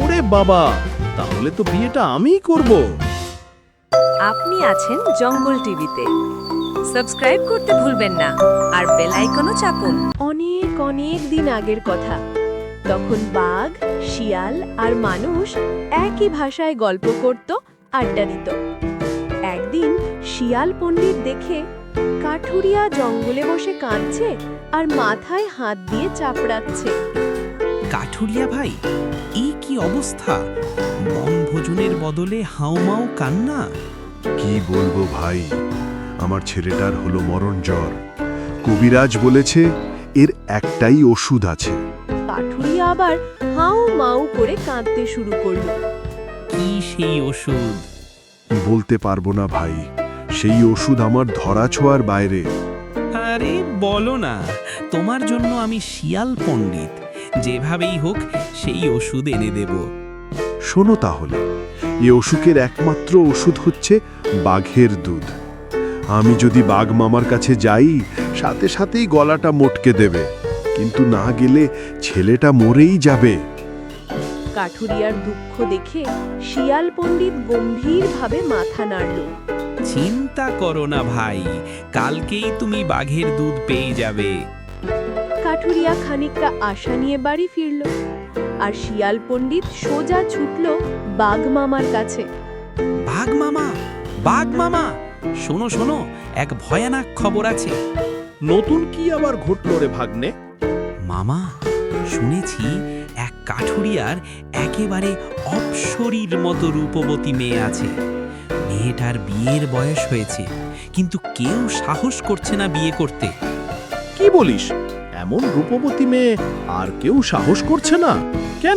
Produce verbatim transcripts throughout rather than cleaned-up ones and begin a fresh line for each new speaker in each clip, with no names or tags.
ওরে বাবা, তাহলে তো বিয়েটা আমিই করব।
আপনি আছেন জঙ্গল টিভিতে। সাবস্ক্রাইব করতে ভুলবেন না আর বেল আইকনও চাপুন।
অনেক অনেক দিন আগের কথা। তখন বাঘ, শিয়াল আর মানুষ একই ভাষায় গল্প করত, আড্ডা দিত। একদিন শিয়াল পণ্ডিত দেখে কাঠুরিয়া জঙ্গলে বসে কাঁদছে আর মাথায় হাত দিয়ে চাপড়াচ্ছে।
কাঠুরিয়া ভাই, এই কি অবস্থা? বনভোজনের বদলে হাউমাউ কান্না।
কি বলবো ভাই, আমার ছেলেটার হলো মরণ জ্বর। কবিরাজ বলেছে এর একটাই ওষুধ আছে।
কাঠুরিয়া আবার হাউ মাউ করে কাঁদতে শুরু করলো।
কি সেই ওষুধ?
বলতে পারবো না ভাই, সেই ওষুধ আমার ধরা ছোঁয়ার বাইরে।
আরে বলো না, তোমার জন্য আমি শিয়াল পণ্ডিত, যেভাবেই হোক সেই ওষুধ এনে দেব।
শোনো তাহলে, এ অসুখের একমাত্র ওষুধ হচ্ছে বাঘের দুধ। আমি যদি বাঘ মামার কাছে যাই, সাথে সাথেই গলাটা মটকে দেবে, কিন্তু না গেলে ছেলেটা মরেই যাবে।
কাঠুরিয়ার দুঃখ দেখে শিয়াল পণ্ডিত গম্ভীরভাবে মাথা নাড়ল।
চিন্তা করো না ভাই, কালকেই তুমি বাঘের দুধ পেয়ে যাবে।
কাঠুরিয়া খানিকটা আশা নিয়ে বাড়ি ফিরল, আর শিয়াল পণ্ডিত সোজা ছুটল বাঘ মামার কাছে।
বাঘ মামা, বাঘ মামা, শোনো শোনো, এক ভয়ানক খবর আছে।
নতুন কি আবার ঘটলো রে ভাগ্নে?
মামা, শুনেছি এক কাঠুরিয়ার একেবারে অপ্সরীর মতো রূপবতী মেয়ে আছে। মেয়েটার বিয়ের বয়স হয়েছে, কিন্তু কেউ সাহস করছে না বিয়ে করতে।
কি বলিস? এমন রূপবতী মেয়ে আর কেউ সাহস করছে না কেন?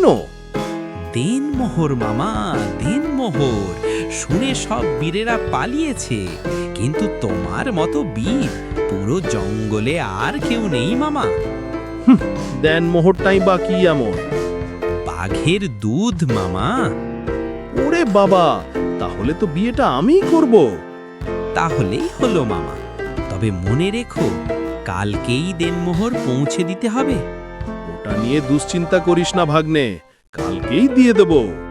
দেনমোহর মামা, দেনমোহর। শুনে সব বীরেরা পালিয়েছে, কিন্তু তোমার মতো বীর পুরো জঙ্গলে আর কেউ নেই মামা।
দেন মোহরটাই বা কি এমন?
বাঘের দুধ মামা।
ওরে বাবা, তাহলে তো বিয়েটা আমিই করব।
তাহলেই হলো মামা, তবে মনে রেখো কালকেই দেনমোহর পৌঁছে দিতে হবে।
ওটা নিয়ে দুশ্চিন্তা করিস না ভাগ্নে, কালকেই দিয়ে দেব।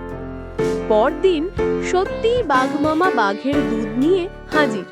পরদিন সত্যিই বাঘ মামা বাঘের দুধ নিয়ে হাজির।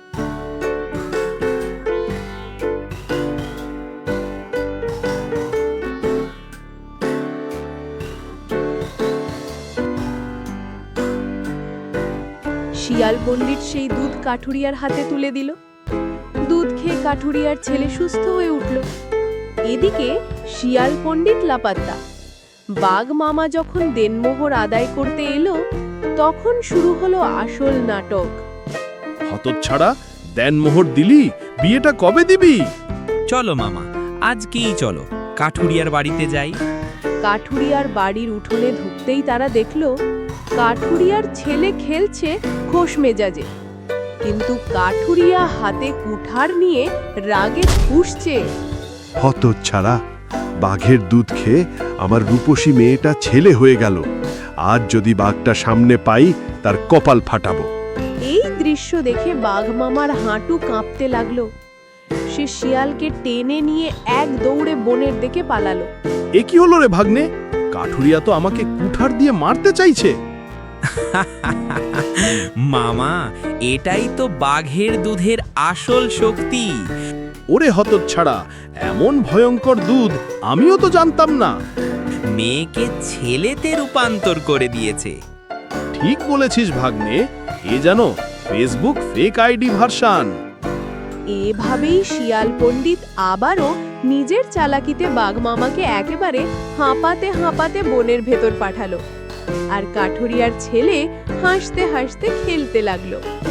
শিয়াল পণ্ডিত সেই দুধ কাঠুরিয়ার হাতে তুলে দিল। দুধ খেয়ে কাঠুরিয়ার ছেলে সুস্থ হয়ে উঠল। এদিকে শিয়াল পণ্ডিত লাপাত্তা। বাঘ মামা যখন দেনমোহর আদায় করতে এলো, তখন শুরু হলো আসল নাটক।
হতচ্ছাড়া, দেন মোহর দিলি, বিয়েটা কবে দিবি?
চলো মামা, আজকেই চলো কাঠুরিয়ার বাড়িতে যাই।
কাঠুরিয়ার বাড়ির উঠোনে ঢুকতেই তারা দেখল কাঠুরিয়ার ছেলে খেলছে খোশ মেজাজে, কিন্তু কাঠুরিয়া হাতে কুঠার নিয়ে রাগে ফুঁসছে।
হতচ্ছাড়া, বাঘের দুধ খেয়ে আমার রূপসী মেয়েটা ছেলে হয়ে গেল। আজ যদি বাঘটা সামনে পাই, তার কপাল ফাটাবো।
এই দৃশ্য দেখে বাঘ মামার হাঁটু কাঁপতে লাগলো। সে শিয়ালকে টেনে নিয়ে এক দৌড়ে বনের দিকে পালালো।
এ কি হলো রে ভাগ্নে? কাঠুরিয়া তো আমাকে কুঠার দিয়ে মারতে চাইছে।
মামা, এটাই তো বাঘের দুধের আসল শক্তি।
ওরে হতচ্ছাড়া, এমন ভয়ঙ্কর দুধ আমিও তো জানতাম না।
মেয়েকে ছেলেতে রূপান্তর করে দিয়েছে।
ঠিক বলেছিস ভাগ্নে, এ যেন ফেসবুক ফেক আইডি ভার্সন।
এভাবেই শিয়াল পণ্ডিত আবারও নিজের চালাকিতে বাঘ মামাকে একেবারে হাঁপাতে হাঁপাতে বনের ভেতর পাঠালো, আর কাঠুরিয়ার ছেলে হাসতে হাসতে খেলতে লাগলো।